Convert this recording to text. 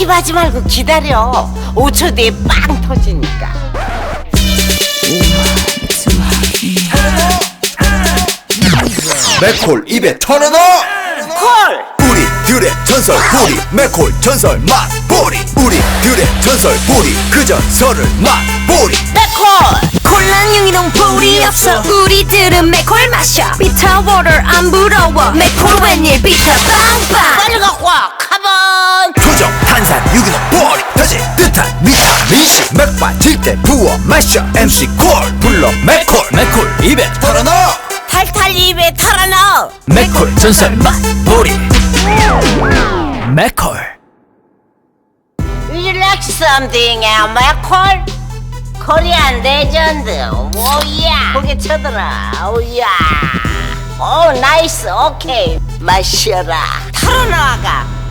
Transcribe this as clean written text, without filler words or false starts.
스킵하지 말고 기다려. 5초 뒤에 빵 터지니까. 맥콜 입에 털어넣어. 콜! 우리들의 전설 보리 맥콜 전설 맛보리. 우리들의 전설 보리 그 전설을 맛보리. 맥콜! 콜랑 유기농 볼이 없어. 우리들은 맥콜 마셔. 비타 워터 안 부러워. 맥콜 웬일 비타 빵빵. 빨리 갖고 와. 카본! 토종 탄산 유기농 보리 터질 듯한 비타민C. 맥 빠질 때 부어 마셔. MC 콜 불러 맥콜. 맥콜 입에 털어넣어. 탈탈 입에 털어넣어. 맥콜 전설 맛보리. 맥콜. Would you like something, 맥콜? 코리안 레전드. 오야. 고개 쳐들어. 오야. 오 나이스. 오케이. 마셔라. 털어넣어가.